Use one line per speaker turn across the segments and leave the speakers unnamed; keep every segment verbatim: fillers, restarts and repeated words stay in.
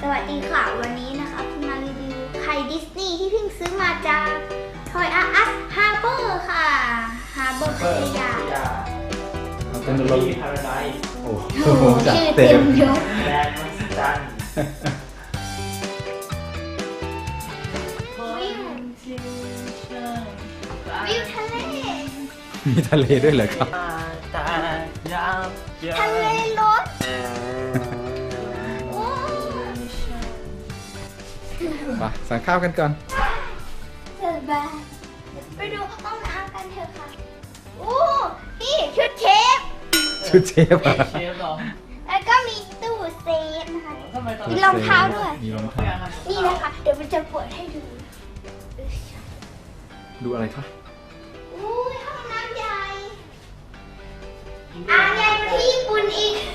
วัสดีค่ะวันนี้นะคะคุณมารีวิวไข่ดิสนีย์ที่เพิ่งซื้อมาจากทอยอาร์อัสฮาร์เบอร์ค่ะฮาร์เบอร์พัทยา
เป็นรถพาราไดซ์
โอ้
โอ้
โห
โห
จัด
ชื่อ
เต็
เต็
ม
มยศ
แบรนด์มหัศจรรย์
วิววิวทะเล
มีทะเลด้วยเหรอครับ
ตายามเยอะ
ทะเลรถโอ้
มาสั่งข้าวกันก่อน
เสิร์ฟบาร์ไปดูห้องน้ำกันเถอะค่ะโอ้นี่ชุดเชฟ
ชุดเชฟอะ
เชฟเหรอ
แล้วก็มีตู้เซฟนะคะ
ทำไมตอน
มีรองเท้าด้วย
มีรองเท้า
นี่นะคะเดี๋ยวมันจะเปิดให้ดู
ดูอะไรคะ
อุ้ยห้องน้ำใหญ่อ่างใหญ่กว่าที่ญี่ปุ่นอีก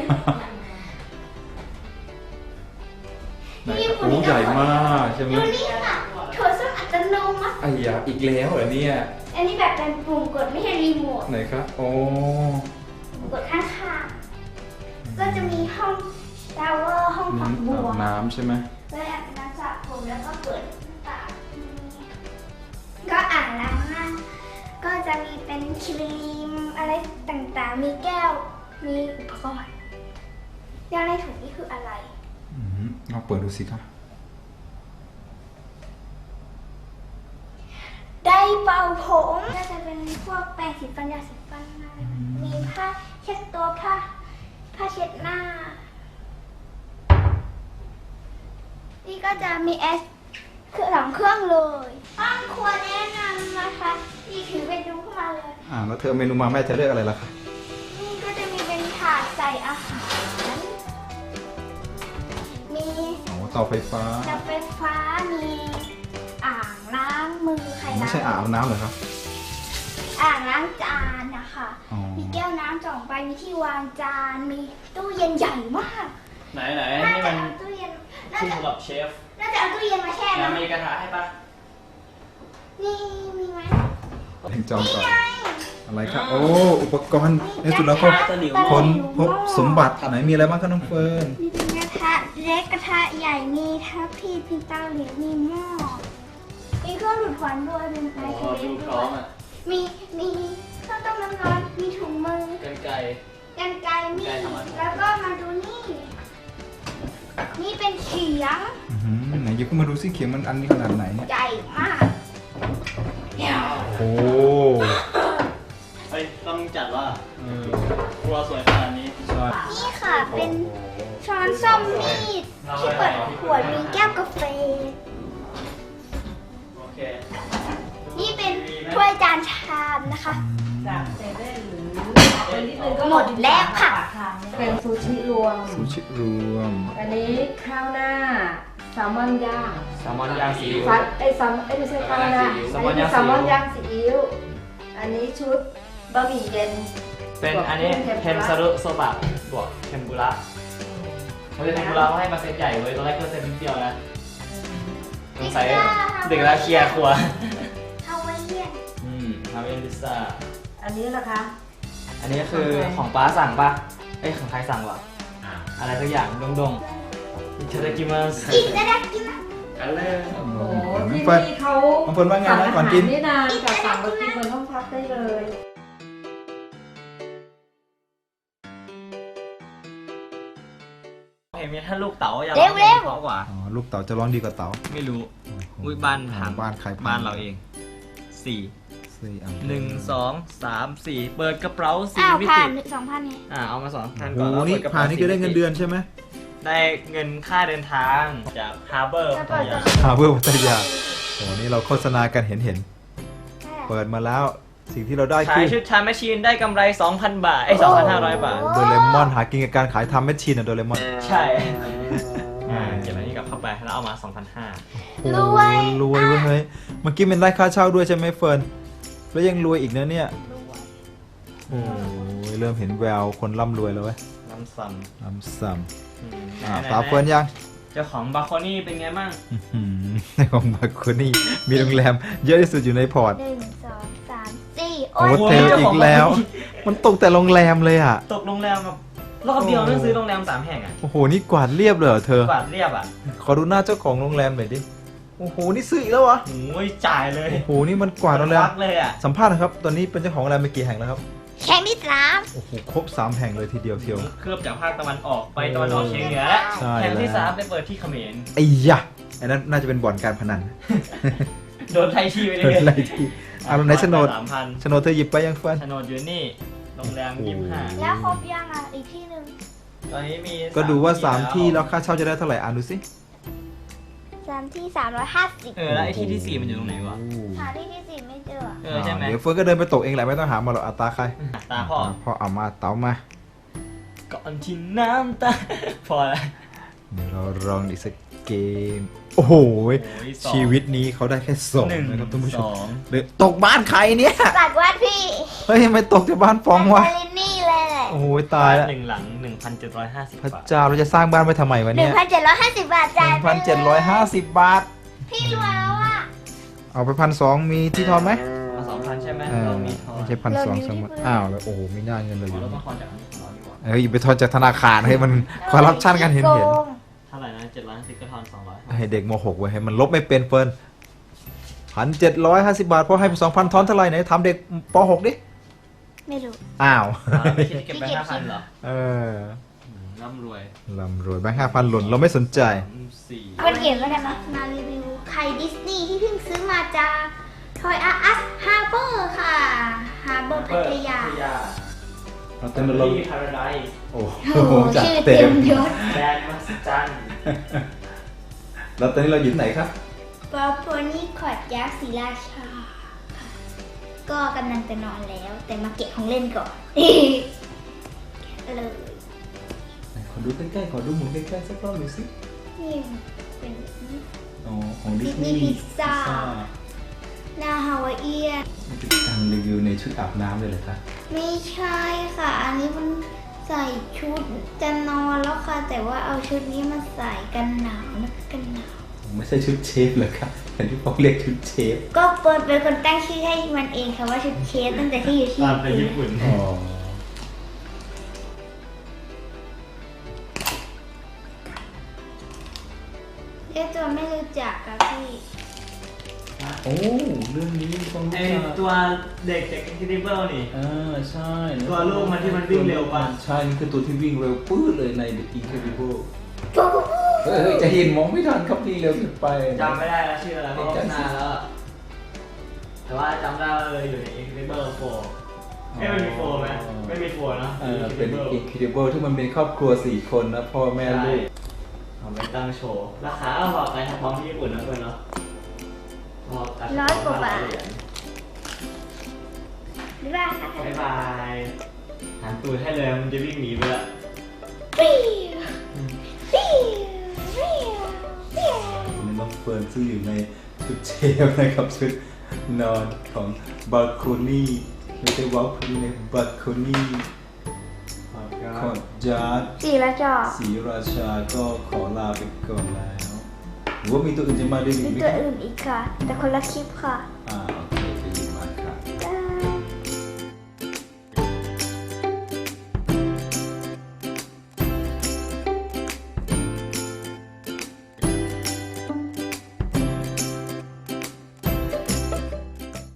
ไหนครับโอ้ใหญ่มากใช่ไหม
ดูนี่ค่ะโถส้วมอัตโนมัติ
ไอ้ยาอีกแล้วเหรอเนี่ย
อันนี้แบบเป็นปุ่มกดไม่ใช่รีโมท
ไหนครับโอ้
กดข้างๆก็จะมีห้องชาวเวอร์ห้อง
นี่
ฝักบั
อาว บน้ำใช่ไหม
แล้วอาบน้ำสระผมแล้วก็เปิดหน้าต่างก็อ่างล้างหน้าก็จะมีเป็นครีมอะไรต่างๆ มีแก้ว มีอุปกรณ์ยาในถุงนี่คืออะไร
อืมลองเปิดดูสิครับ
ได้เป่าผมก็จะเป็นพวกแปรงสีฟันยาสีฟันอะไรมีผ้าเช็ดตัวผ้าผ้าเช็ดหน้า นี่ก็จะมีแอสคือสองเครื่องเลยห้องครัวแนะนำนะคะนี่ถือไปดูเข้ามาเลย
อ่าแล้วเธอเมนูมาแม่จะเลือกอะไรล่ะคะ
นี่ก็จะมีเป็นถาดใส่อาหาร มี
โอ้เตาไฟฟ้า
จับไฟฟ้า มีอ่างล้างมือใคร
ไม่
ล้าง
ใช่อ่างอาบน้ำเหรอครับ
อ่างล้างจานนะคะ
อ๋อ
มีแก้วน้ำสองใบ มีที่วางจาน มีตู้เย็นใหญ่มาก
ไหนไหน
น่า
นี่
จะ
มัน
เอาตู้เย็น น่า
คู่
จะ
กับเชฟ
น่าจะเอาตู้เย็นมาแช่
แล้ว
น้ำ
มีกระทะให้ปะ
นี่มีไหม
เพ่งจอง
นี่
ก่อน
ไง
อะไรครับโอ้อุปกรณ์ในสุดแล้วก็คนพบสมบัติไหนมีอะไรบ้างครับน้องเฟิร์น
มีเป็นกระทะเล็กกระทะใหญ่ มีทัพพีมีเตาเหลวมีหม้อ มีเครื่องดูดควันด้วยมีไม
อ๋อ
โครเว
ดู
ฟ
พ
ด้
ร้อ
วย
มอ่ะ
มีมีเครื่องต้มน้ำร้อน มีถุงมือ
กันไก่
กันไกรมี
กันไกรทำอะไร
แล้วก็มาดูนี่ นี่เป็นเขียง
อื้อหือไหนยกขึ้นมาดูสิเขียงมันอันนี้ขนาดไหนเนี่ย
ใหญ่มากเดี๋ยว
โอ้
เฮ้ยต้องจัดว่าเออครัวสวยขนาดนี้
ใช่
นี่ค่ะเป็นช้อนส้อมมีดที่เปิดขวดมีแก้วกาแฟ
โอเค
นี่เป็นถ้วยจานชามนะคะ
จากเซเว่นหรือเป็นนิดนึงก็
หมดแล้วค่ะ
เป็นซูชิรวม
ซูชิรวม
อันนี้ข้าวหน้าแซลมอนย่าง
แซลมอนย่างซีอิ๊ว
ฟัดไอ้ยแซลมอนเอ้ยไม่ใช่ข้าวหน้า
แซ
อั
ล
น
มอน
นี้
ย่าง
แซลมอน
ซีอิ๊ว
ย่างซีอิ๊วอันนี้ชุดบะหมี่เย็น
เป็นอันนี้เทมซารุโซบะบวกเทมปุระเขาจะเทมปุระเขาให้มาเซตใหญ่เว้ยตอนแรกก็เซตนิดเดียวนะสงสัยเด็กแล้วเคลียร์ครัว
ฮาวายเอียน
อืมทำเป็นพิซซ่า
อันนี้นะคะ
อันนี้คือของป้าสั่งปะเอ้ยของใครสั่งวะอะไรสักอย่างดงดงอิตาลีกิมัส
อีกนะดักกินนะ
กันเลย
โอ้โห
น้อง
ที่
เฟิร์น
นี่เขา
น้องเฟิร์นว่าไงนะก่อนกิน
สั่งอาหารนี่นานกับสั่งไปกินบนห้องพักได้เลย
เห็นไหมถ้าลูกเต๋าอยาก
เร็วเร็ว
เพราะกว่า
อ๋อลูกเต๋าจะร้อนดีกว่าเต๋า
ไม่รู้อุ้ยบ้านพัง
บ้านใครพัง
บ้านเราเองสี่
สี่อัน
หนึ่งสองสามสี่เปิดกระเป๋าสี่
อ้าว
มิ
ผ่า
ติ
นหนึ่งสองพันไง
อ่าเอามาสองพัน
โอ้
ก่อน
โห
แล้ว
นี่
เปิดกระ
ผ่า
เป๋าน
นี่ก็ได้เงินเดือนใช่ไหม
ได้เงินค่าเดินทางจากฮาร์เบอร์พัทยา
ฮาร์เบอร์พัทยาโอ้นี่เราโฆษณากันเห็นเห็นเปิดมาแล้วสิ่งที่เราได้
ขา
คื
ย
อ
ชุดทำแมชชีนได้กำไร สองพัน บาทไอ้สองพันห้าร้อยบาท
โดเรมอนหากินกับการขายทำแมชชีนอะโดเรมอน
ใช่อ่าเก็บอันนี้กลับเข้าไปแล้วเอามา สองพันห้าร้อย
โอ้ยรวยเว้ยเฮ้ยเมื่อกี้เป็นได้ค่าเช่าด้วยใช่ไหมเฟิร์นแล้วยังรวยอีกนะเนี่ยโอ้ยเริ่มเห็นแววคนร่ำรวยแล้วเว้ย
น้ำซัม
น้ำซ้
อืม
ำอ่า
ไหนๆ
ตาเฟิร์นยัง
เจ้าของบาโคนี่เป็นไงบ้าง
อื้อหือในของบาโคนี่มีโรงแรมเยอะที่สุดอยู่ในพอร์ต
หนึ่งสองสามสี่
โอ้
โอ้ย
โหเทลอีกแล้ว มันตกแต่โรงแรมเลยอ่ะ
ตกโรงแรมกับรอบเดียวต้องซื้อโรงแรมสามแห่งอ่ะ
โอ้โห นี่กวาดเรียบเลยเหรอเธอ
กวาดเรียบอ่ะ
ขอดูหน้าเจ้าของโรงแรมหน่อยดิ โอ้โห นี่ซื้ออีกแล้ววะ
โอ้ยจ่ายเลย
โอ้โห นี่มันกวาดโรงแรม
ควักเลยอ่ะ
สัมภาษณ์นะครับ ตอนนี้เป็นเจ้าของโรงแรมไปกี่แห่งแล้วครับ
แข่งที่สาม
โอ้โห ครบสามแห่งเลยทีเดียวเทียว
เคลือบจากภาคตะวันออกไปตะวันออกเฉียงเหนือแล้ว
ใช่
แห่งที่
แล้ว
สามไปเปิดที่เขมร
ไอ้ยะอันนั้นน่าจะเป็นบ่อนการพนัน
โดนไทยทีไปเลย
อะไรที่เอาไหนโฉนด
สามพัน
โฉนดเธอหยิบไปยังเฟิร์น
โฉนดอยู่นี่โรงแรมยี่สิบห้า
แล้วครบยังอ่ะอีกที่หนึ่ง
ตอนนี้มี
ก็ดูว่าสามที่
แล้
แล้ว วค่าเช่าจะได้เท่าไหร่อ่านดูสิ
สามที่สามร้อยห้าสิบ
เออแล้วไอ้ที่ที่สี่มันอยู่ตรงไหนวะ
หาที่ที่สี่ไม่เจอ
เออใช่ไหม
เดี๋ยวเฟิร์นก็เดินไปตกเองแหละไม่ต้องหามาหรอกอัตราใคร
ตาพ่อ
พ่อเอามาเต๋ามา
ก่อนที่น้ำตา พอแล้ว
เดี๋ยวเราลองอีกสักเกม โอ้โห
โอ้ยสอง
ชีวิตนี้เขาได้แค่สอง
หนึ่ง
นะครับท่านผู้ช
ส
ม
อง
เดี๋ยวตกบ้านใครเนี่ย
ตัดวัดพี่
เฮ้ยทำไมตกจากบ้านฟองวะ
แอนเจลินี่เลยแหละ
โอ้ยตายแล้ว
หนึ่งหลังหนึ่งพันเจ็ดร้อยห้าสิบ
พระ
บาท
เจ้าเราจะสร้างบ้านไปทำไมวะ
หนึ่
เนี่
ง
ย
พันเจ็ดร้อยห้าสิบบาท
ห
จ่าย
นึ่ง
ไป
พันเจ็ดร้อยห้าสิบบาท
พี่รวยแล้วอ่ะ
เอาไปพันสองมีที่ทอนไหม
มาสองพันใช่ไหม
เออ
เรามีทอน
ไม่ใช่พันสองสมมติอ้าวแล้วโอ้โหไม่น่าเงินเลยอ
เรา
ยู่
ต้องทอนจากอันนี้ของเราดีกว่า
เอ้ยไปทอนจากธนาคารให้มันคอร์รัปชันกันเห็นเห็น
โกง
เท่าไหร่นะเจ็ดร้อยห้าสิบก็ทอนสองร้อย
ให้เด็กมหกไว้ให้มันลบไม่เป็นเฟิร์นพันเจ็ดร้อยห้าสิบบาทพอให้ไปสองพันทอนเท่าไหร่ไหนทำเด็กปหกดิ
ไม่รู้
อ้าว
ไม่คิดจะเก็บไปห้าพันเหรอ
เออ
อืมร่ำรวย
ลำรวยแบงค์ห้าพันหล่นเราไม่สนใจ
สามสี่
มันเขียนว่ากันนะมารีวิวไข่ดิสนีย์ที่เพิ่งซื้อมาจากทอยอาร์อัสฮาร์เบอร์ค่ะฮาร์เบอร์พัทยา
เรา
เต็
เต้
ม
น
ล
ล
ง
ง
พาราไดซ์
โอ้
โอ้โห
จัด
ชื่อ
เต็
เต็
ม
มยศ
แดนมหัศจรรย์
แล้วตอนนี้เราอยู่ที่ไหนครับ
ปอโพนี่ขอดยักษ์ศรีราชาค่ะก็กำลังจะนอนแล้ว แต่มาเก็บของเล่นก่อน เลย
ขอดูใกล้ๆขอดูหมุนใกล้ๆสักรอบหน่อยสิ
นี่เป็นแบบนี้
อ๋อของดิส
Disney
นีย์
Pizza หน้าฮาวายเอียน
มันเป็นการรีวิวในชุดอาบน้ำเลยเหรอคะ
ไม่ใช่ค่ะ อันนี้มันใส่ชุดจะนอนแล้วค่ะ แต่ว่าเอาชุดนี้มาใส่กันหนาวนะกันหนาว
ไม่ใช่ชุดเชฟเหรอครับเห็นที่เขาเรียกชุดเชฟ
ก็เปิดเป็นคนตั้งชื่อให้มันเองค่ะว่าชุดเชฟตั้งแต่ที่อยู่ที่
ตามไป
ญี่
ญี่
ปุ่น
ปุ่น
อ๋อ
เรียกตัวไม่รู้จักค่ะพี่
โอ้เรื่องนี้ต้อง
ไอ
รู้จัก
ตัวเด็กจาก Incredible นี่
อ่าใช่
ตัวลูกมันที่มันวิ่งเร็วป่ะ
ใช่นี่คือตัวที่วิ่งเร็วปื้ดเลยใน The Incredible
ปุ๊บ
เฮ้ยเฮ้ยจะเห็นมองไม่ทันครับวิ่งเร็วเกินไป
จำไม่ได้แล้วชื่ออะไรเพราะว่ามันนานแล้วอะแต่ว่าจำได้ว่าเลยอยู่ใน Incredible โฟร์เอ้ยมันมีโฟร์ไหมไม่มีโฟร์เนอะ
เออเป็น
Incredible
Incredible ที่มันเป็นครอบครัวสี่คนนะพ่อแม่ลูก
เอาไปตั้งโชว์ ราคาเอาพอกันพร้อมที่ญี่ปุ่นนะเพื่อนเนาะพอกัน
ร้อยกว่าบาท
เหรียญ
หรือว่าค่ะ
บ๊ายบายหันตูดให้เลยมันจะวิ่งหนีไปละ
ปิ้วปิ้วปิ้วปิ้ว
นี่น้องเฟิร์นซึ่งอยู่ในชุดเชฟนะครับชุดนอนของบาโคนี่ไม่ใช่วอลคูนี่ในบาโคนี่ขอจาร์ด
สี่ละจอ
ศรีราชาก็ขอลาไปก่อนแล้วหรือว่ามีตัวอื่นจะมาด้วยอี
มี
กไหม
ตัว
ครับ
อื่นอีกค่ะ แต่คนละคลิปค่ะ